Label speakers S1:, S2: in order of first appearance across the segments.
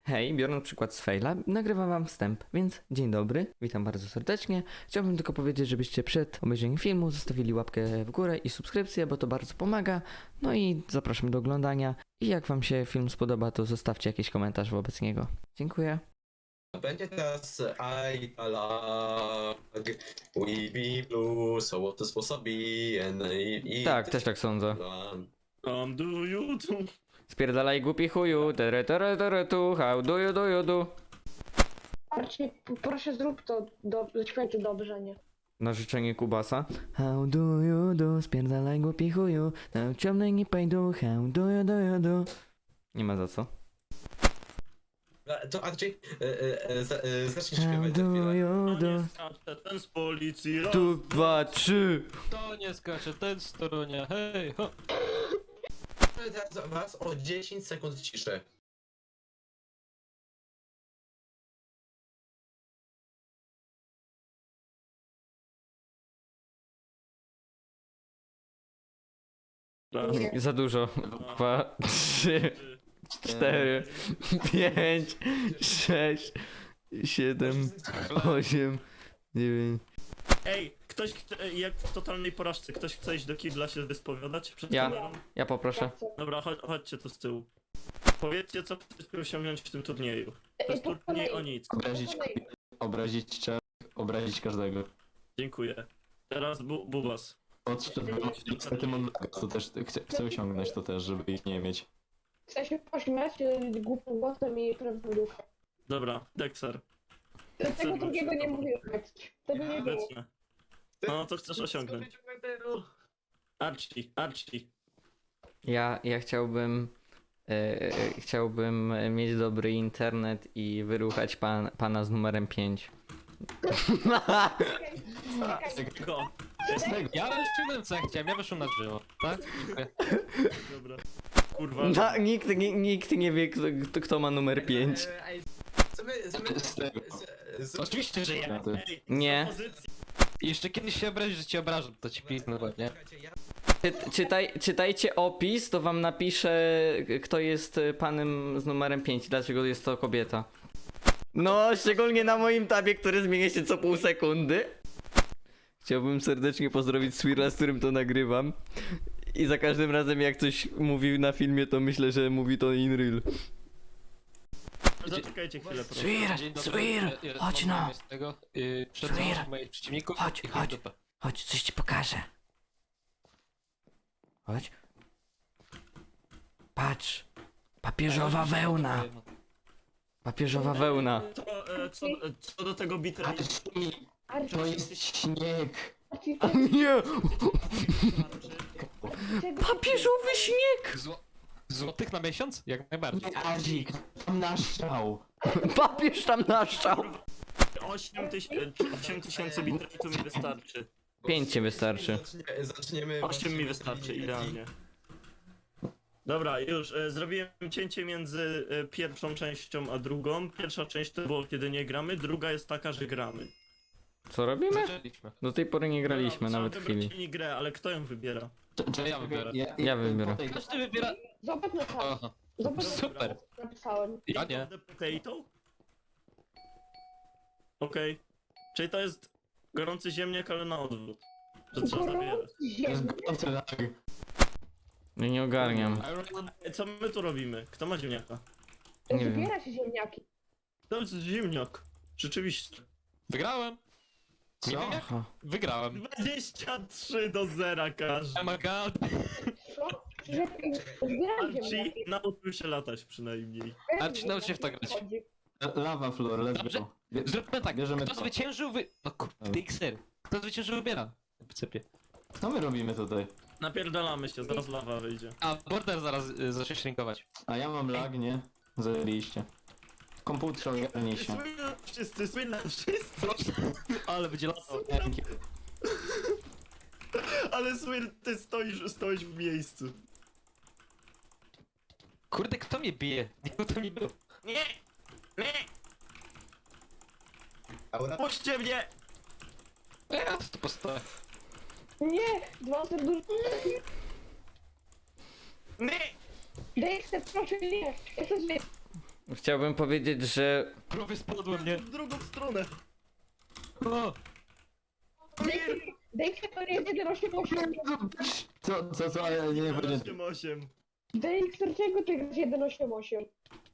S1: Hej, biorąc przykład z faila, nagrywam wam wstęp, więc dzień dobry, witam bardzo serdecznie. Chciałbym tylko powiedzieć, żebyście przed obejrzeniem filmu zostawili łapkę w górę i subskrypcję, bo to bardzo pomaga. No i zapraszam do oglądania. I jak wam się film spodoba, to zostawcie jakiś komentarz wobec niego. Dziękuję.
S2: Będzie teraz I like we be blue, so what this was a be and
S1: Tak, też tak sądzę.
S3: Do you do?
S1: Spierdalaj głupi chuju, tu, how do you do?
S4: Archie, proszę zrób to, zaśpiewaj to dobrze, nie?
S1: Na życzenie Kubasa. How do you do, spierdalaj głupi chuju, na ciemnej nie pejdu, how do you do? Nie ma za co.
S2: To Archie, zacznij
S1: How
S2: śpiewać za
S1: do
S2: chwilę.
S1: you do?
S3: Nie skacze ten z policji, raz,
S1: Tu, dwa, trzy.
S5: To nie skacze, ten z Torunia, hej, ho!
S2: Teraz was o 10 sekund ciszy.
S3: raz.
S1: Za dużo. 2, 3, 4, 5, 6, 7, 8, 9.
S3: Ej, jak w totalnej porażce, ktoś chce iść do kibla się wyspowiadać przed
S1: Ja.
S3: kamerą?
S1: Ja poproszę.
S3: Dobra, chodźcie tu z tyłu. Powiedzcie, co chcecie osiągnąć w tym turnieju. To jest
S4: po
S3: turniej
S4: kolei.
S3: o nic.
S6: Obrazić czar, obrazić każdego.
S3: Dziękuję. Teraz Bubas.
S6: Niestety mam to też chcę osiągnąć to też, żeby ich nie mieć.
S4: Chcę się pośmiać głupim głosem i prawdą ducha.
S3: Dobra, Dexter.
S4: Tego drugiego nie mówiłem. Tego nie było.
S3: Obecne. No, co chcesz osiągnąć? Archie.
S1: Ja chciałbym... chciałbym mieć dobry internet i wyruchać pana z numerem 5.
S3: Go.
S5: Ja wyszedłem co ja chciałem, ja wyszłem na drzewo, tak? Dziękuję.
S3: Dobra. Kurwa.
S1: No, nikt nie wie, kto ma numer 5.
S5: Oczywiście, że ja.
S3: Ej,
S1: Nie.
S3: propozycja.
S5: I jeszcze kiedyś się obrazisz, że cię obrażam, to ci piknę ładnie.
S1: Czytajcie opis, to wam napiszę, kto jest panem z numerem 5, dlaczego jest to kobieta. No, szczególnie na moim tabie, który zmienia się co pół sekundy. Chciałbym serdecznie pozdrowić Swirla, z którym to nagrywam. I za każdym razem jak coś mówi na filmie, to myślę, że mówi to in real.
S3: Zaczekajcie chwilę, proszę.
S5: Dzień dobry,
S1: chodź
S5: mam
S1: no.
S5: zamiar z tego, przedstawiam moich przeciwników i
S1: Chodź.
S5: dupę.
S1: Chodź, coś ci pokażę. Chodź. Patrz. Papieżowa wełna. Papieżowa wełna.
S3: Co do tego bitra...
S4: Archie,
S6: To jest śnieg!
S4: Archie,
S1: Nie!
S4: czego-
S1: Papieżowy śnieg!
S5: Złotych na miesiąc? Jak najbardziej.
S6: Nie, Azik, tam naszczał!
S1: Papież tam naszczał.
S3: 8 tysięcy bitratu mi wystarczy.
S1: 5 ci wystarczy.
S2: Zaczniemy...
S3: 8 mi wystarczy, idealnie. Dobra, już zrobiłem cięcie między pierwszą częścią a drugą. Pierwsza część to było kiedy nie gramy, druga jest taka, że gramy.
S1: Co robimy?
S5: Zaczęliśmy.
S1: Do tej pory nie graliśmy
S3: Trzeba
S1: nawet
S3: wybrać
S1: chwili.
S3: mini grę, ale kto ją wybiera?
S5: To ja wybiorę.
S1: Ja wybiorę.
S5: Każdy wybiera...
S4: Zobacz na czas.
S5: Aha,
S4: Zobacz
S5: super.
S4: co napisałem.
S5: Ja nie.
S3: The potato? Okej. Czyli to jest gorący ziemniak, ale na odwrót. Że trzeba zabierać.
S6: To jest
S4: Ziemniak.
S6: gorący lag.
S1: No nie ogarniam.
S3: Co my tu robimy? Kto ma ziemniaka?
S1: Nie wiem.
S4: Zbiera się ziemniaki.
S3: To jest ziemniak. Rzeczywiście.
S5: Wygrałem. Nie wiem jak?
S1: Aha.
S5: Wygrałem.
S3: 23 do 0 każdy.
S5: Oh my god.
S4: Co? Zbieram
S3: Archie
S4: ziemniaki.
S3: nauczył się latać przynajmniej.
S5: Archie, naucz się w to grać.
S4: Chodzi.
S6: Lava floor, let's
S5: Dobrze.
S6: go.
S5: Zróbmy tak,
S6: Bierzemy
S5: kto
S6: to.
S5: zwyciężył No kurde, XR. Kto zwyciężył wybiera. Wysypię.
S6: Co my robimy tutaj?
S3: Napierdalamy się, zaraz lawa wyjdzie.
S5: A border zaraz zacznie shrinkować.
S6: A ja mam lag, nie? Zajęliście. Komputer ogarnij się.
S3: Słynne wszyscy.
S5: Ale będzie laso.
S3: Ale Swir, ty stoisz w miejscu.
S5: Kurde, kto mnie bije? Nikt to nie był.
S3: Nie! Nie! Puśćcie mnie!
S5: Ja to postawię.
S4: Nie! Dwa serduszki.
S3: Nie!
S4: Dexter, proszę nie! Ja chcę żyć.
S1: Chciałbym powiedzieć, że
S5: Prawie spadłem, nie?
S3: W drugą stronę.
S5: O!
S4: Dexter to jest 1.8.8.
S6: Co, ale nie powiedziałem.
S3: 8-8.
S4: Dexter, czego ty grasz 1.8.8?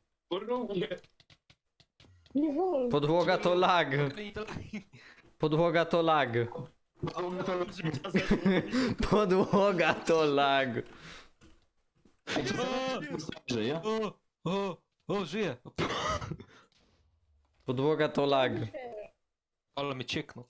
S4: Nie wolno.
S1: podłoga to lag. Podłoga to lag. Podłoga to lag.
S6: Żyje?
S5: O, żyję!
S1: Podłoga to lag.
S5: Ale mnie cieknął.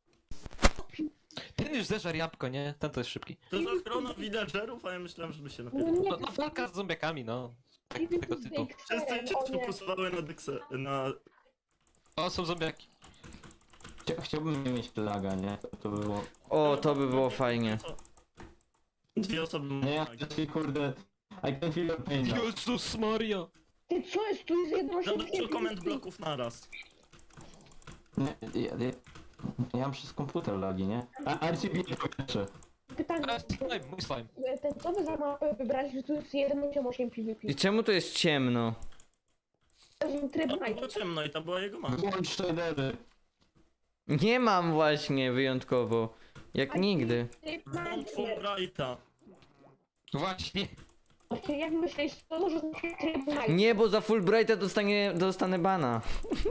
S5: Ten już zeżar jabłko, nie? Ten to jest szybki.
S3: To jest ochrona villagerów, a ja myślałem, żeby się
S4: No
S3: napierdolił.
S4: nie,
S5: No walka z zombiakami, no. Tego typu.
S3: Wszyscy się sfokusowały na Dexe, na...
S5: O, są zombiaki.
S6: Chciałbym nie mieć laga, nie? To by było...
S1: O, to by było fajnie.
S3: Dwie osoby
S6: Nie, ja
S3: mają.
S6: kurde... I can feel your pain now.
S5: Jezus Maria!
S4: Ty co jest? Tu jest
S3: Za dużo
S4: 1.8.8.
S3: komend bloków naraz.
S6: Nie, ja mam przez komputer lagi, nie? A RCB nie powietrze.
S4: Pytanie.
S5: Teraz slime, mój slime.
S4: Ten co wy za mapę wybraliście, że tu jest 1.8.8 PvP?
S1: I czemu tu jest ciemno?
S4: To jest tryb
S3: A było
S4: night.
S3: ciemno i to była jego mama.
S6: Włącz shadery.
S1: Nie mam właśnie wyjątkowo. Jak nigdy.
S4: Tryb
S3: Włącz
S4: night.
S3: Fulbrighta.
S5: Właśnie.
S4: Właśnie jak myślisz, to może znaczy tryb night?
S1: Nie, bo za Fulbrighta dostanę bana.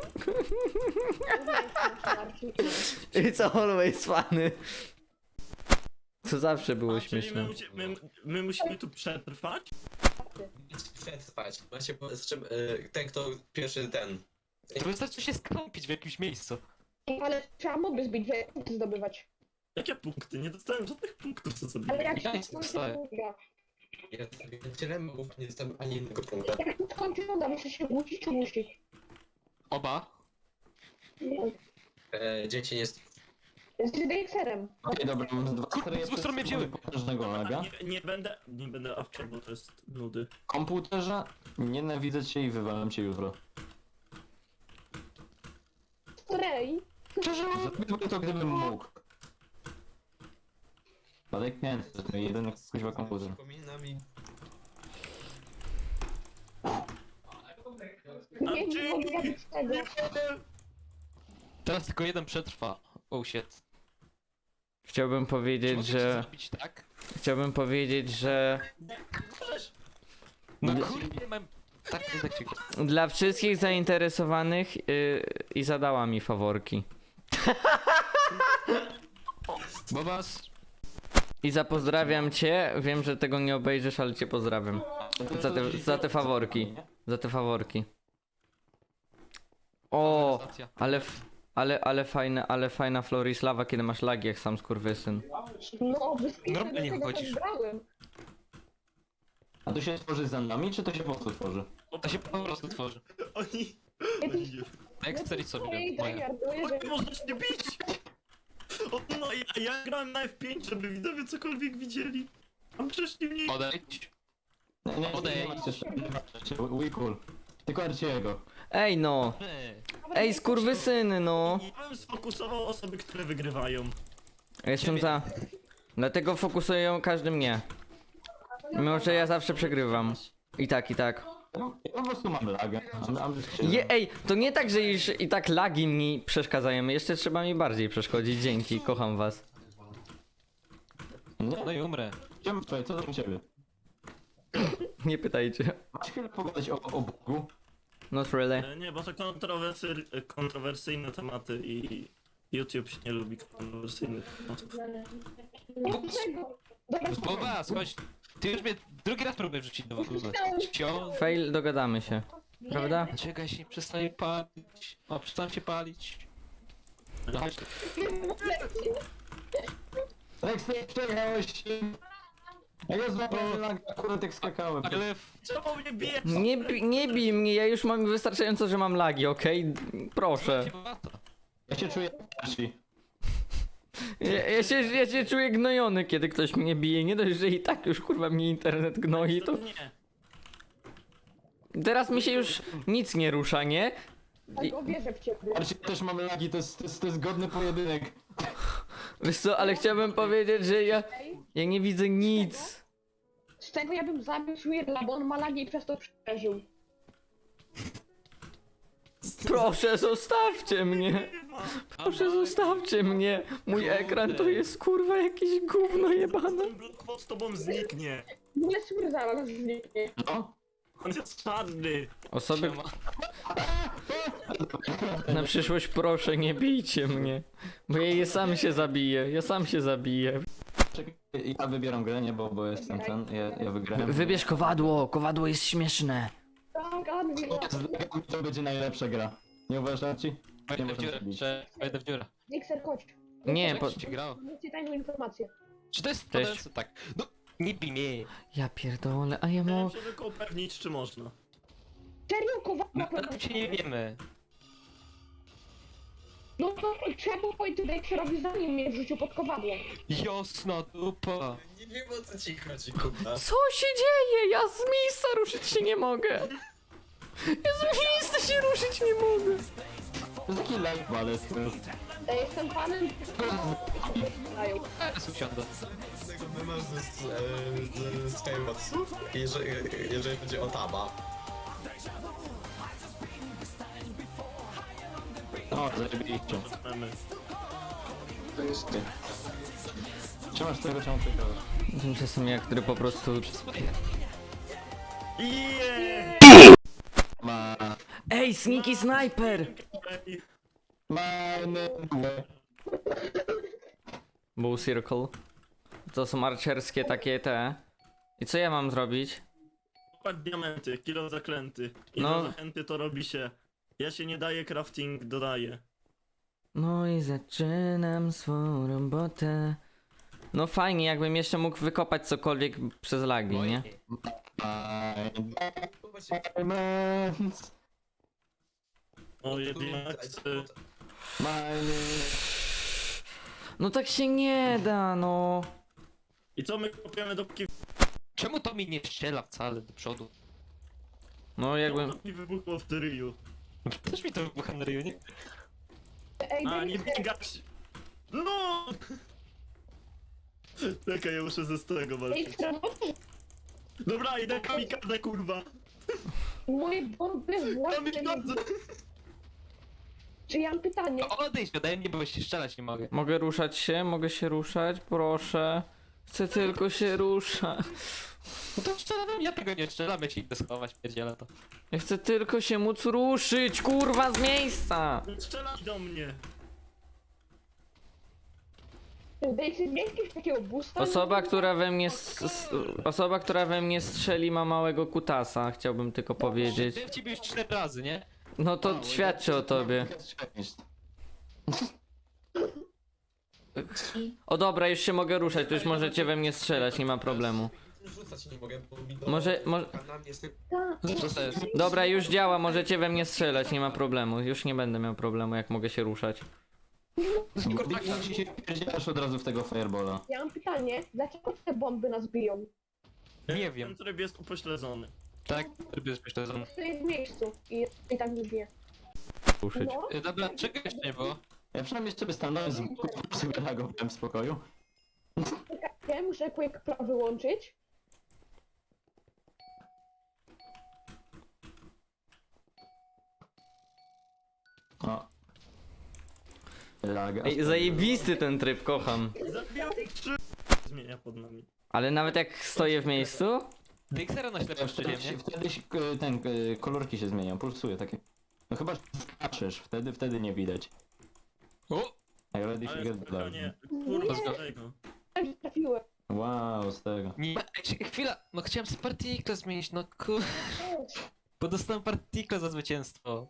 S1: It's always funny. To zawsze było
S3: A, czyli
S1: śmieszne.
S3: my musimy tu przetrwać?
S2: Przetrwać. Właśnie, z czym, ten kto pierwszy ten.
S5: To wystarczy się skąpić w jakimś miejscu.
S4: Ale trzeba moby zbić, żeby punkty zdobywać.
S3: Jakie punkty? Nie dostałem żadnych punktów, co sobie.
S4: Ale jak
S5: Ja
S4: się
S5: nie
S4: skończy
S5: dostaję.
S4: runda,
S2: Ja zrobiłem tyle mów, nie dostałem ani jednego punkta.
S4: jak się skończy runda, muszę się wrócić czy musi?
S5: Oba.
S2: Dzieci nie...
S4: Z Dexterem.
S6: Okej, dobra, mam dwa
S5: Kurde, z stron mnie wzięły.
S6: potężnego laga.
S3: Nie będę awczał, bo to jest nudy.
S6: Komputerze, nienawidzę cię i wywalam cię jutro.
S4: Rej.
S6: Zrobiłbym to, gdybym mógł. Badek nie, to jest mój jedyny kuźwa komputer.
S2: Przypomina mi...
S4: Nie mogę robić tego.
S5: Teraz tylko jeden przetrwa. Oh shit.
S1: Chciałbym
S5: Czy
S1: powiedzieć,
S5: mogę
S1: że...
S5: zrobić tak?
S1: Chciałbym powiedzieć, że...
S5: No kurde, mam... Tak, tak,
S1: Dla wszystkich zainteresowanych i zadała mi faworki.
S5: Bobas.
S1: Iza, pozdrawiam cię. Wiem, że tego nie obejrzysz, ale cię pozdrawiam. Za te faworki. Za te faworki. O, ale fajna Florislawa, kiedy masz lagi, jak sam skurwysyn.
S4: No, wyspiszę
S5: Normalnie
S4: do tego,
S5: chodzisz.
S4: co brałem.
S6: A to się tworzy za nami, czy to się po prostu tworzy?
S5: To się po prostu tworzy.
S3: Oni...
S5: Dexter i sobie
S4: Ej,
S5: moja.
S4: tryharduję, że...
S3: Nie można się bić! O, no ja grałem na F5, żeby widzowie cokolwiek widzieli. A przecież nie mniej.
S5: Odejdź.
S6: Nie,
S5: Odejdź.
S6: We cool. Tylko Arciego.
S1: Ej no, ej skurwysyny no.
S3: Ja bym sfokusował osoby, które wygrywają.
S1: Ja jestem za... Dlatego fokusują każdy mnie. Mimo, że ja zawsze przegrywam. I tak, i tak.
S6: Ja po prostu mam lagę.
S1: Ej, to nie tak, że już i tak lagi mi przeszkadzają. Jeszcze trzeba mi bardziej przeszkodzić. Dzięki, kocham was.
S6: Nie,
S5: No i umrę.
S6: chciałem powiedzieć, co tam u ciebie?
S1: Nie pytajcie.
S6: Masz chwilę pogadać o Bogu?
S1: Not really.
S3: Nie, bo to kontrowersyjne tematy i YouTube się nie lubi kontrowersyjnych tematów.
S4: Dlaczego? Dobra,
S5: Bobas, chodź. Ty już mnie drugi raz próbujesz wrzucić do wody. Cio.
S1: Fail, dogadamy się. Prawda?
S5: Czekaj się, przestań palić. O, przestań się palić. No chodź.
S6: Rex, ty przejechałeś się. A ja złapałem lagę, akurat jak skakałem.
S5: Ale...
S3: Czemu mnie bijesz?
S1: Nie bij mnie, ja już mam wystarczająco, że mam lagi, okej? Proszę.
S6: Ja się czuję Arci.
S1: Ja się czuję gnojony, kiedy ktoś mnie bije. Nie dość, że i tak już kurwa mnie internet gnoi, to
S3: Nie.
S1: teraz mi się już nic nie rusza, nie?
S4: tak wierzę w ciebie.
S6: Arci, też mam lagi, to jest godny pojedynek.
S1: Wiesz co, ale chciałbym powiedzieć, że ja nie widzę nic.
S4: Z tego ja bym zabił Swirla, bo on ma lagi i przez to przeżył.
S1: Proszę, zostawcie mnie. Proszę, zostawcie mnie. Mój ekran to jest kurwa jakieś gówno jebane.
S3: Ten blok z tobą zniknie.
S4: Nie stwierdzałam, że zniknie.
S6: No?
S3: On jest czarny.
S1: Osoby... Na przyszłość proszę, nie bijcie mnie. Bo ja sam się zabiję, ja sam się zabiję.
S6: Czekaj, ja wybieram grę, nie, bo jestem ten, ja wygrałem.
S1: Wybierz kowadło, kowadło jest śmieszne.
S4: Tak, Admiral.
S6: To będzie najlepsza gra. Nie uważasz ci? Nie
S5: Wejdę w
S6: można
S5: dziurę,
S6: zrobić.
S5: wejdę w dziurę.
S4: Mixer, chodź.
S1: Nie,
S5: Jak
S1: po...
S5: ci grało?
S4: Mówcie tajną informację.
S5: Czy to jest
S1: Cześć.
S5: podający? Tak. No, nie bij mnie.
S1: Ja pierdolę, a ja
S3: Chciałem
S1: mo...
S3: się tylko upewnić, czy można.
S4: Serio, kowadła
S5: Na tym się nie wiemy.
S4: No to trzeba było powiedzieć Mixerowi, zanim mnie wrzucił pod kowadło.
S5: Jasna dupa.
S2: Nie wiem o co ci chodzi, Kuba.
S1: Co się dzieje? Ja z miejsca ruszyć się nie mogę. Ja z miejsca się ruszyć nie mogę.
S6: To jest taki live ballet.
S4: Ja jestem fanem... Dają.
S5: Teraz usiądę.
S2: Tego mema z Skywatsu, jeżeli będzie o Taba.
S6: O, zajebiście.
S3: Mamy.
S6: To jest ty. Trzymasz tego, czemu przegrałeś?
S1: Tymczasem ja, który po prostu...
S3: Yeah!
S6: Ma...
S1: Ej, sneaky sniper! Bull circle. To są archerskie takie te. I co ja mam zrobić?
S3: Kopać diamenty, kilo zaklęty. I
S1: No.
S3: na zachęty to robi się. Ja się nie daję, crafting dodaję.
S1: No i zaczynam swą robotę. No fajnie, jakbym jeszcze mógł wykopać cokolwiek przez lagi, nie?
S6: Diamonds.
S3: O, jednak.
S1: No tak się nie da, no.
S3: I co my kopiemy dopóki
S5: Czemu to mi nie strzela wcale do przodu?
S1: No jakbym...
S3: dopóki wybuchło w Tyriu?
S5: Też mi to wybucha na ryju, nie?
S4: Ej,
S3: A, nie
S4: Mixer,
S3: biegać! No! Czekaj, ja muszę ze starego walczyć.
S4: Mixer,
S3: Dobra, idę kamikadze, kurwa!
S4: moje bomby właśnie...
S3: Kamikadze!
S4: Czy ja mam pytanie?
S5: No odejdź ode mnie, bo się strzelać nie mogę.
S1: Mogę ruszać się? Mogę się ruszać? Proszę. Chcę tylko się ruszać.
S5: No to strzelam, ja tego nie strzelam, ja ci idę schować, pierdzielę to.
S1: Ja chcę tylko się móc ruszyć, kurwa, z miejsca!
S3: Strzelaj do mnie!
S4: Dajcie mi jakiegoś takiego boosta?
S1: Osoba, która we mnie... Osoba, która we mnie strzeli ma małego kutasa, chciałbym tylko powiedzieć.
S5: Byłem w ciebie już 4 razy, nie?
S1: No to świadczy o tobie. O dobra, już się mogę ruszać, to już możecie we mnie strzelać, nie ma problemu.
S2: Rzucać nie mogę, bo mi
S1: Może...
S2: kanał jest
S5: Co to jest?
S1: Dobra, już działa, możecie we mnie strzelać, nie ma problemu. Już nie będę miał problemu, jak mogę się ruszać.
S6: Jeśli się pierdzielasz od razu w tego fireballa.
S4: Ja mam pytanie, dlaczego te bomby nas biją?
S5: Nie wiem.
S3: Ten tryb jest upośledzony.
S5: Tak, tryb jest myślę,
S4: Stoję w miejscu i tak mnie bije.
S1: Ruszyć.
S4: No,
S5: Dobra, czego jeszcze nie było?
S6: Ja przynajmniej sobie stanąłem z boku, sobie reagowałem w spokoju.
S4: ja muszę Quick Pro wyłączyć.
S6: O. Laga.
S1: Ej, zajebisty ten tryb, kocham.
S3: Zabijam 3. Zmienia pod nami.
S1: Ale nawet jak stoję w miejscu?
S5: Dixera na ślepo
S6: Wtedy,
S5: szczeliłem, nie?
S6: wtedy się, kolorki się zmieniają, pulsuje takie. No chyba że skaczesz, wtedy nie widać.
S5: O!
S6: Jak ready się
S3: Ale
S6: get
S3: spokojnie,
S6: down.
S3: kurwa z tego.
S4: Tak trafiłem.
S6: Wow, z tego.
S5: Nie, chwila, no chciałem sobie partikle zmienić, no kur... Bo dostałem partikle za zwycięstwo.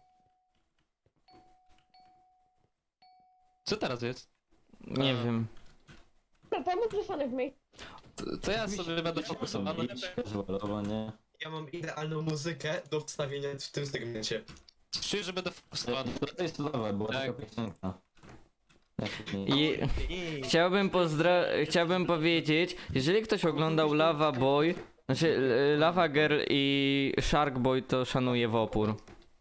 S5: Co teraz jest?
S1: Nie wiem.
S4: Pomóż zostanę w miejscu.
S5: To ja sobie będę fokusowany.
S6: Casualowo, nie?
S2: Ja mam idealną muzykę do wstawienia w tym segmencie.
S5: Czuję, że będę fokusowany.
S6: To jest cudowne, była
S5: Tak.
S6: taka piosenka.
S1: I chciałbym powiedzieć, jeżeli ktoś oglądał Lava Boy, znaczy Lava Girl i Shark Boy, to szanuje w opór.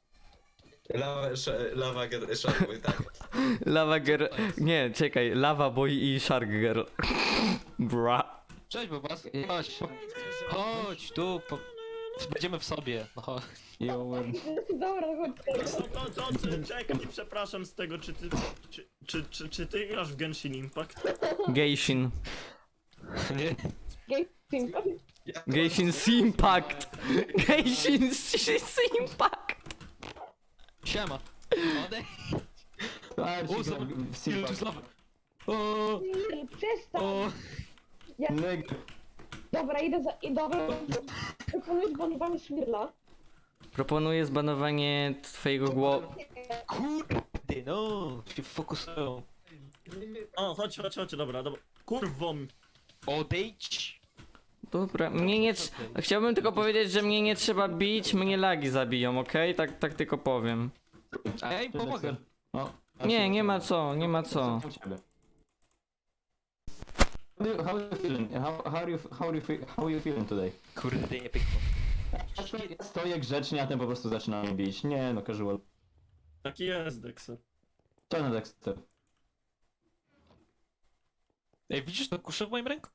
S2: Sharkboy, tak.
S1: Lava Girl, nie, czekaj, Lava Boy i Shark Girl. Bra.
S5: Cześć Bobas, chodź. Chodź tu, Będziemy w sobie. No, chodź.
S6: Yo,
S4: Dobra, chodź.
S3: Czekaj, przepraszam z tego, czy ty grasz w Genshin Impact?
S1: Geishin.
S5: Nie.
S1: Geishin Impact. Geishin Impact.
S5: Siema. Odejdź.
S6: Archie,
S5: O, zobacz.
S6: w
S5: Ile tu
S6: Simpa.
S5: znowu. O,
S4: Przestań.
S5: o.
S6: Neg-
S4: Dobra, idę za... Dobra, proponuję zbanowanie Swirla.
S1: Proponuję zbanowanie twojego głowy.
S5: Kurde, no. Się fokusują.
S3: O, chodź, dobra. Kurwą.
S5: Odejdź.
S1: Dobra, mnie nie... Chciałbym tylko powiedzieć, że mnie nie trzeba bić, mnie lagi zabiją, okej? Tak tylko powiem.
S5: A ja im pomogę.
S6: O,
S1: Nie, nie ma co, nie ma co.
S6: u ciebie. How are you feeling? How are you feeling today?
S5: Kurde, nie pykło.
S6: Ja stoję grzecznie, a ten po prostu zaczyna mnie bić. Nie no, casual.
S3: Taki jest, Dexter.
S6: Czarny Dexter.
S5: Ej, widzisz to kuszę w moim ręku?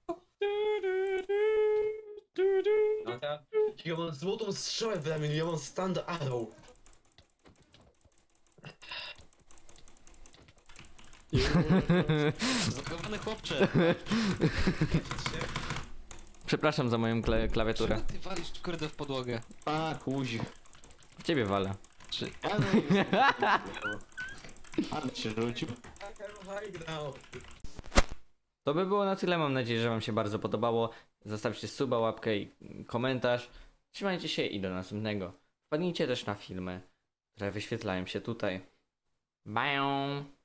S2: Ja mam złotą strzałę w ramieniu, ja mam stand arrow.
S5: Zagowany chłopcze.
S1: Przepraszam za moją klawiaturę.
S5: Czemu ty walisz kurde w podłogę?
S6: A, kuź.
S1: W ciebie walę.
S5: Czy...
S6: Ale się rzucił.
S1: To by było na tyle, mam nadzieję, że wam się bardzo podobało. Zostawcie suba, łapkę i komentarz. Trzymajcie się i do następnego. Wpadnijcie też na filmy, które wyświetlają się tutaj. Bye!